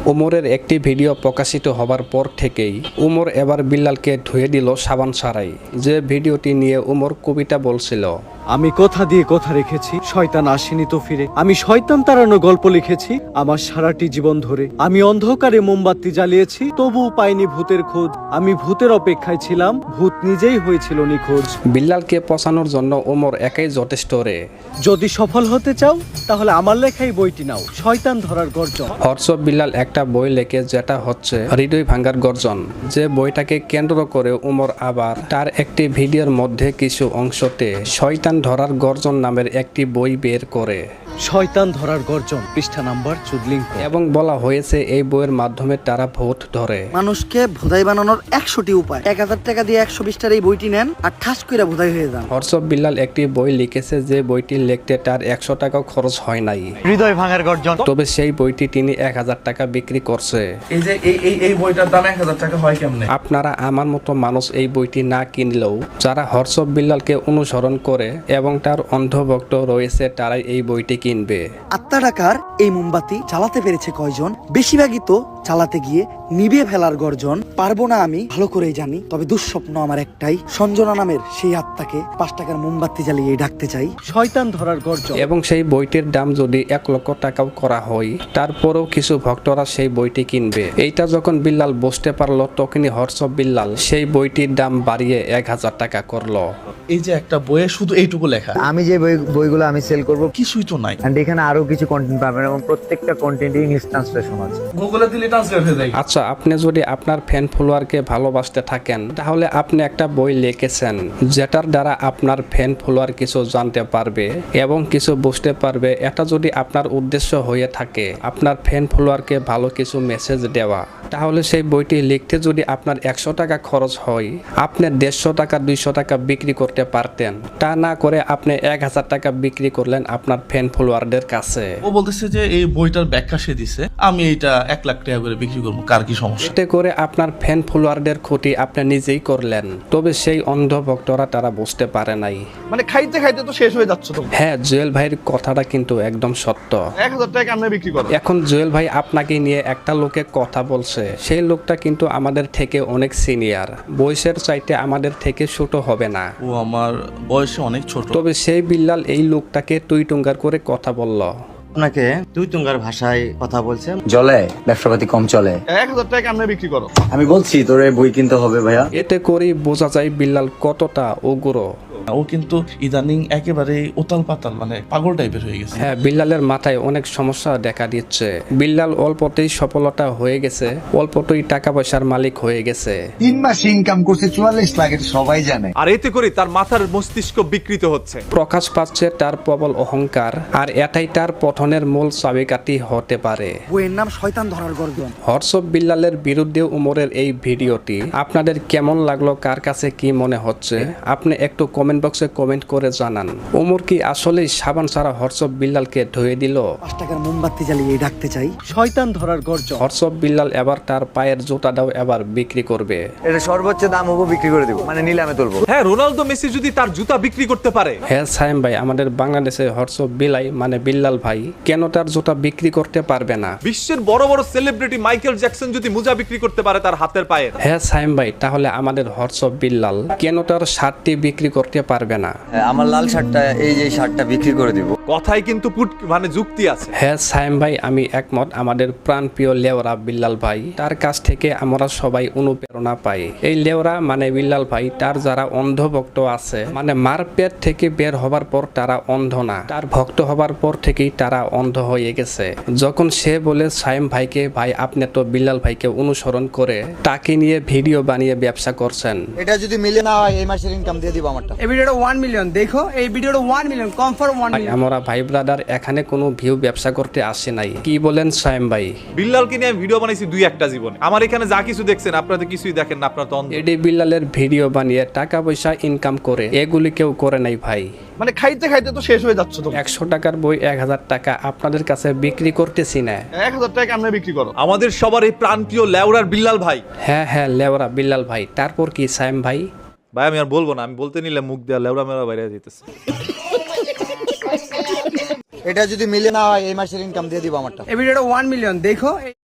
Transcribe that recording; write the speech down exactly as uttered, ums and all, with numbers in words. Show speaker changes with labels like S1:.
S1: উমরের একটি ভিডিও প্রকাশিত হবার পর থেকেই উমর এবার বিল্লালকে ধুয়ে দিল সাবান ছাড়াই। যে ভিডিওটি নিয়ে উমর কবিতা বলছিল,
S2: আমি কথা দিয়ে কথা রেখেছি, শয়তান আসেনি তো ফিরে। আমি শয়তান তাড়ানো গল্প লিখেছি আমার সারাটি জীবন ধরে। আমি অন্ধকারে মোমবাতি জ্বালিয়েছি, তবুও পাইনি ভূতের খোঁজ। আমি ভূতের অপেক্ষায় ছিলাম, ভূত নিজেই হয়েছিল নিখোঁজ।
S1: বিল্লালকে পচানোর জন্য উমর একাই যথেষ্ট রে।
S2: যদি সফল হতে চাও তাহলে আমার লেখাই বইটি নাও, শয়তান ধরার গর্জন।
S1: হর্ষব বিল্লাল একটা বই লেখে যেটা হচ্ছে হৃদয় ভাঙ্গার গর্জন। যে বইটাকে কেন্দ্র করে উমর আবার তার একটি ভিডিওর মধ্যে কিছু অংশতে শয়তান ধরার গর্জন নামের একটি বই বের করে।
S2: শয়তান ধরার গর্জন, পৃষ্ঠা নাম্বার চুদলিং।
S1: এবং বলা হয়েছে এই বইয়ের মাধ্যমে তারা ভূত ধরে।
S3: মানুষকে ভোদাই বানানোর একশোটি উপায়। এক হাজার টাকা দিয়ে একশো বিশটার এই বইটি নেন আর ঠাস করে ভোদাই হয়ে যান।
S1: হর্ষব বিল্লাল একটি বই লিখেছে যে বইটি লিখতে তার একশো টাকাও খরচ হয় নাই।
S2: হৃদয় ভাঙার গর্জন।
S1: তবে সেই বইটি তিনি এক হাজার টাকা বিক্রি করছে।
S4: এই যে এই এই এই বইটার দাম এক হাজার টাকা হয় কেমনে?
S1: আপনারা আমার মতো মানুষ এই বইটি না কিনলেও যারা হর্ষব বিল্লালকে অনুসরণ করে এবং তার অন্ধভক্ত রয়েছে তারাই এই বইটি কিনবে।
S3: আত্মা টাকার এই মোমবাতি চালাতে পেরেছে কয়জন? বেশিরভাগই তো চালাতে গিয়ে নিভে ফেলার গর্জন। পারবো না আমি ভালো করেই জানি, তবে দুঃস্বপ্ন আমার একটাই, সঞ্জনা নামের সেই আত্মাকে পাঁচ টাকার মোমবাতি জ্বালিয়ে ডাকতে চাই।
S2: শয়তান ধরার গর্জন।
S1: এবং সেই বইটির দাম যদি এক লক্ষ টাকাও করা হয় তারপরেও কিছু ভক্তরা সেই বইটি কিনবে। এইটা যখন বিল্লাল বুঝতে পারলো তখনই হর্ষব বিল্লাল সেই বইটির দাম বাড়িয়ে এক হাজার টাকা করলো।
S4: এই যে একটা বইয়ে শুধু এইটুকু লেখা,
S5: আমি যে বই বইগুলো আমি সেল করব,
S4: কিছুই তো নাই।
S5: এন্ড এখানে আরো কিছু কন্টেন্ট পাবেন এবং প্রত্যেকটা কন্টেন্ট ইংলিশ ট্রান্সলেশন আছে।
S4: গুগলে দিলে ট্রান্সলেট হয়ে যায়।
S1: আচ্ছা, আপনি যদি আপনার ফ্যান ফলোয়ারকে ভালোবাসতে থাকেন তাহলে আপনি একটা বই লিখেছেন যেটার দ্বারা আপনার ফ্যান ফলোয়ার কিছু জানতে পারবে এবং কিছু বুঝতে পারবে। এটা যদি আপনার উদ্দেশ্য হয়ে থাকে আপনার ফ্যান ফলোয়ারকে ভালো কিছু মেসেজ দেওয়া, তাহলে সেই বইটি লিখতে যদি আপনার একশো টাকা খরচ হয় আপনি দেড়শো টাকা দুইশো টাকা বিক্রি করতে পারতেন। তা না করে আপনি এক হাজার টাকা বিক্রি করলেন আপনার ফ্যান ফলোয়ারদের কাছে।
S4: ও বলতেছে যে এই বইটার ব্যাখ্যা সে দিছে, আমি এইটা এক লাখ টাকা করে বিক্রি করবো, কার কি সমস্যা?
S1: এতে করে আপনার ফ্যান ফলোয়ারদের ক্ষতি আপনি নিজেই করলেন। তবে সেই অন্ধ ভক্তরা তারা বুঝতে পারে নাই।
S4: মানে খাইতে খাইতে তো শেষ হয়ে যাচ্ছে তো।
S1: হ্যাঁ, জুয়েল ভাইয়ের কথাটা কিন্তু একদম সত্য।
S4: এক হাজার টাকা আমরা বিক্রি করবো।
S1: এখন জুয়েল ভাই আপনাকে নিয়ে একটা লোকে কথা বলছে, সেই লোকটা কিন্তু আমাদের থেকে অনেক সিনিয়র, বয়সের চাইতে আমাদের থেকে ছোট হবে না।
S4: ও আমার বয়সে অনেক ছোট।
S1: তবে সেই বিল্লাল এই লোকটাকে তুই টুঙ্গার করে কথা বলল।
S6: আপনাকে তুই তুঙ্গার ভাষায় কথা বলছে।
S5: জলে ব্যবসাপাতি কম চলে।
S4: এক হাজার টাকা আমরা বিক্রি করো।
S5: আমি বলছি তোরে বই কিনতে হবে ভাইয়া।
S1: এতে করেই বোঝা যায় বিল্লাল কতটা উগ্র।
S4: ও কিন্তু ইদানিং একেবারে উতাল পাতাল, মানে পাগল টাইপের হয়ে গেছে।
S1: হ্যাঁ, বিল্লালের মাথায় অনেক সমস্যা দেখা দিচ্ছে। বিল্লাল অল্পতেই সফলতা হয়ে গেছে, অল্পতেই টাকা পয়সার মালিক হয়ে গেছে।
S7: তিন মাসে ইনকাম করছে চুয়াল্লিশ লাখ, এটা সবাই জানে।
S8: আর এতে করে তার মাথার মস্তিষ্ক বিকৃত হচ্ছে,
S1: প্রকাশ পাচ্ছে তার প্রবল অহংকার, আর এটাই তার পতনের মূল চাবিকাঠি হতে পারে।
S3: বইয়ের নাম শয়তান ধরার গর্জন।
S1: হর্ষব বিল্লালের বিরুদ্ধে উমরের এই ভিডিওটি আপনাদের কেমন লাগলো, কার কাছে কি মনে হচ্ছে আপনি একটু কমেন্ট বক্সে কমেন্ট করে জানান। উমর কি আসলেই সাবান ছাড়া হর্ষব বিল্লালকে ধুয়ে দিল?
S3: পাঁচ টাকার মোমবাতি জ্বালিয়ে ডাকতে চাই।
S2: শয়তান ধরার গর্জন।
S1: হর্ষব বিল্লাল এবার তার পায়ের জুতাটাও এবার বিক্রি করবে।
S5: এটা সর্বোচ্চ দাম হবো বিক্রি করে দিব, মানে নিলামে তুলবো।
S8: হ্যাঁ, রোনালদো মেসি যদি তার জুতা বিক্রি করতে পারে।
S1: হ্যাঁ সাইম ভাই, আমাদের বাংলাদেশে হর্ষব বিলাই মানে বিল্লাল ভাই কেন তার জুতা বিক্রি করতে পারবে না?
S8: বিশ্বের বড় বড় সেলিব্রিটি মাইকেল জ্যাকসন যদি মোজা বিক্রি করতে পারে তার হাতের পায়ের।
S1: হ্যাঁ সাইম ভাই, তাহলে আমাদের হর্ষব বিল্লাল কেন তার শার্টটি বিক্রি করতে পারবে না?
S5: আমার লাল শার্টটা, এই যে শার্টটা বিক্রি করে দিব।
S8: কথাই কিন্তু পুট মানে যুক্তি আছে।
S1: হ্যাঁ সাইম ভাই, আমি একমত। আমাদের প্রাণপ্রিয় লেওরা বিল্লাল ভাই, তার কাছ থেকে আমরা সবাই অনুপ্রেরণা পাই। এই লেওরা মানে বিল্লাল ভাই, তার যারা অন্ধ ভক্ত আছে, মানে মার পেট থেকে বের হবার পর তারা অন্ধ না, তার ভক্ত হবার পর থেকেই তারা অন্ধ হয়ে গেছে। যখন সে বলে সাইম ভাইকে, ভাই আপনি তো বিল্লাল ভাইকে অনুসরণ করে তাকে নিয়ে ভিডিও বানিয়ে ব্যবসা করছেন।
S6: এটা যদি মিলে না হয় এই মাসের ইনকাম দিয়ে দিব আমারটা।
S9: এই ভিডিওটা ওয়ান মিলিয়ন দেখো, এই ভিডিওটা one million confirm one million.
S1: আমরা ভাই ব্রাদার এখানে কোনো ভিউ ব্যবসা করতে আসে নাই। কি বলেন সাইম ভাই?
S8: বিল্লালকে নিয়ে আমি ভিডিও বানাইছি দুই একটা জীবনে। আমার এখানে যা কিছু দেখছেন আপনাদের কিছুই দেখেন না, আপনার তো অন্ধ।
S1: এডি বিল্লালের ভিডিও বানিয়ে টাকা পয়সা ইনকাম করে এগুলি কেউ করে নাই ভাই।
S4: মানে খাইতে খাইতে তো শেষ হয়ে যাচ্ছে তো।
S1: একশো টাকার বই এক হাজার টাকা আপনাদের কাছে বিক্রি করতেছি না।
S4: এক হাজার টাকা আমরা বিক্রি করো।
S8: আমাদের সবার এই প্রাণপ্রিয় লেওরার বিল্লাল ভাই।
S1: হ্যাঁ হ্যাঁ, লেওরা বিল্লাল ভাই। তারপর কি সাইম ভাই?
S8: ভাই আমি আর বলবো না, আমি বলতে নিলে মুখ দেওয়া লেওরা মেরা বাইরে যেতেছে।
S6: এটা যদি মিলে না হয় এই মাসের ইনকাম দিয়ে দিব আমারটা।
S9: এই ভিডিওটা ওয়ান মিলিয়ন দেখো।